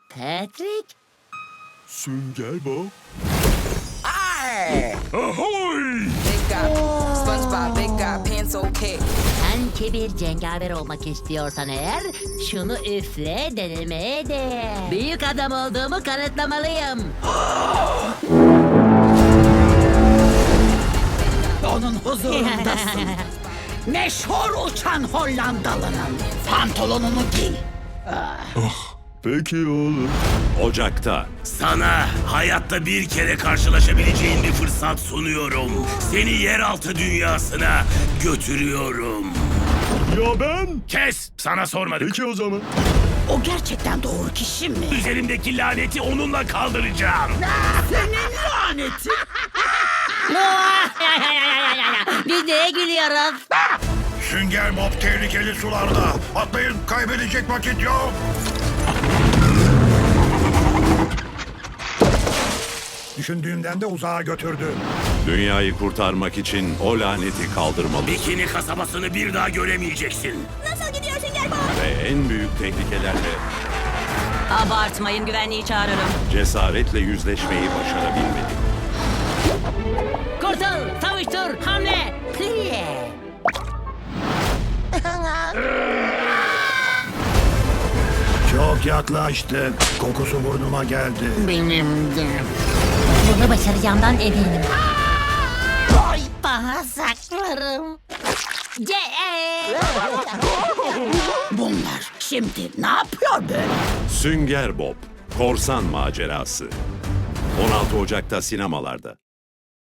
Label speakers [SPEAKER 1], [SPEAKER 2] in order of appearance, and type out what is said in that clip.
[SPEAKER 1] Patrick?
[SPEAKER 2] Sünger Bob.
[SPEAKER 3] Ahoy!
[SPEAKER 4] Big guy, SpongeBob, big guy, pants okay.
[SPEAKER 1] Sen kibir cengaver olmak istiyorsan eğer şunu üfle denemeye değer. Büyük adam olduğumu kanıtlamalıyım.
[SPEAKER 5] Onun huzurundasın. Meşhur uçan Hollandalının pantolonunu giy.
[SPEAKER 2] Peki oğlum.
[SPEAKER 3] Ocak'ta
[SPEAKER 6] Sana hayatta bir kere karşılaşabileceğin bir fırsat sunuyorum. Seni yeraltı dünyasına götürüyorum.
[SPEAKER 2] Ya ben?
[SPEAKER 6] Kes! Sana sormadık.
[SPEAKER 2] Peki o zaman.
[SPEAKER 5] O gerçekten doğru kişi mi?
[SPEAKER 6] Üzerimdeki laneti onunla kaldıracağım.
[SPEAKER 5] Senin laneti.
[SPEAKER 1] Biz neye gülüyoruz?
[SPEAKER 7] Sünger Bob tehlikeli sularda. Atlayın, kaybedecek vakit yok. Düşündüğümden de uzağa götürdü.
[SPEAKER 3] dünyayı kurtarmak için o laneti kaldırmalı
[SPEAKER 6] Bikini kasabasını bir daha göremeyeceksin.
[SPEAKER 8] Nasıl gidiyor Sünger Bob?
[SPEAKER 3] ve en büyük tehlikelerle
[SPEAKER 8] Abartmayın, güvenliği çağırırım.
[SPEAKER 3] cesaretle yüzleşmeyi başarabilmeli.
[SPEAKER 1] Kurtul, savuştur, hamle, pliye.
[SPEAKER 7] Çok yaklaştı. Kokusu burnuma geldi.
[SPEAKER 1] Bunu başaracağımdan eminim. Ay bağırsaklarım.
[SPEAKER 5] Bunlar şimdi ne yapıyor böyle?
[SPEAKER 3] Sünger Bob, Korsan Macerası. 16 Ocak'ta sinemalarda.